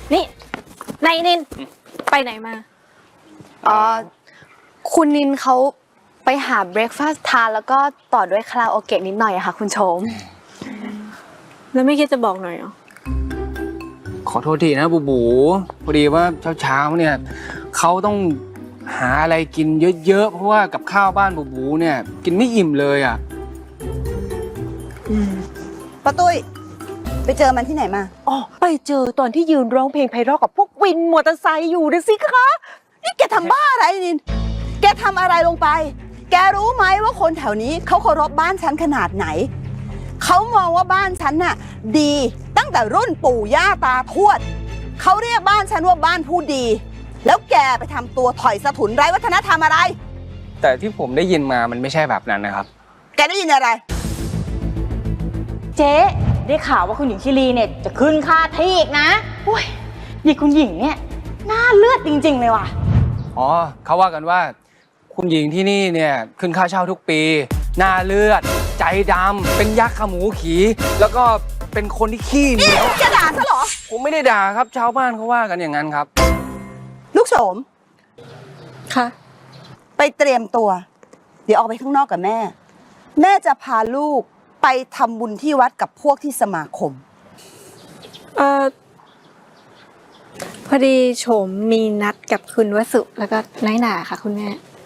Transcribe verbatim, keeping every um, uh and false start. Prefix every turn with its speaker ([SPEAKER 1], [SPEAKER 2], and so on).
[SPEAKER 1] นี่นายนินไปไหนมา
[SPEAKER 2] อ๋อคุณนินเขาไปหาเบรคฟาสต์ทานแล้วก็ต่อด้วยคาราโอเกะนิดหน่อยอะค่ะคุณโชม
[SPEAKER 1] แล้วไม่คิดจะบอกหน่อยเหรอ
[SPEAKER 3] ขอโทษทีนะบูบูพอดีว่าเช้าๆเนี่ยเขาต้องหาอะไรกินเยอะๆเพราะว่ากับข้าวบ้านบูบูเนี่ยกินไม่อิ่มเลยอ่ะ
[SPEAKER 4] ป้าตุ้ยไปเจอมันที่ไหนมา
[SPEAKER 5] อ๋อไปเจอตอนที่ยืนร้องเพลงไพเราะกับพวกวินมอเตอร์ไซค์อยู่นะสิคะ
[SPEAKER 4] นี่แกทำบ้าอะไรนินแกทำอะไรลงไปแกรู้ไหมว่าคนแถวนี้เขาเคารพบ้านฉันขนาดไหนเขามองว่าบ้านฉันน่ะดีตั้งแต่รุ่นปู่ย่าตาทวดเขาเรียกบ้านฉันว่าบ้านผู้ดีแล้วแกไปทำตัวถอยสะถุนไร้วัฒนธรรมอะไร
[SPEAKER 3] แต่ที่ผมได้ยินมามันไม่ใช่แบบนั้นนะครับ
[SPEAKER 4] แกได้ยินอะไร
[SPEAKER 5] เจ๊ได้ข่าวว่าคุณหญิงชิลีเนี่ยจะขึ้นค่าที่อีกนะโอ้ยยี่คุณหญิงเนี่ยหน้าเลือดจริงๆเลยว่ะ
[SPEAKER 3] อ๋อเขาว่ากันว่าคุณหญิงที่นี่เนี่ยขึ้นค่าเช่าทุกปีหน้าเลือดใจดำเป็นยักษ์ขมูขีแล้วก็เป็นคนที่ขี้เหนียว
[SPEAKER 4] จะด่าซะเหรอ
[SPEAKER 3] ผมไม่ได้ด่าครับชาวบ้านเขาว่ากันอย่างนั้นครับ
[SPEAKER 4] ลูกโสม
[SPEAKER 1] ค่ะ
[SPEAKER 4] ไปเตรียมตัวเดี๋ยวออกไปข้างนอกกับแม่แม่จะพาลูกไปทำบุญที่วัดกับพวกที่สมาคม
[SPEAKER 1] เอ่อพอดีโฉมมีนัดกับคุณวสุแล้วก็น้อยหนาค่ะคุณแม่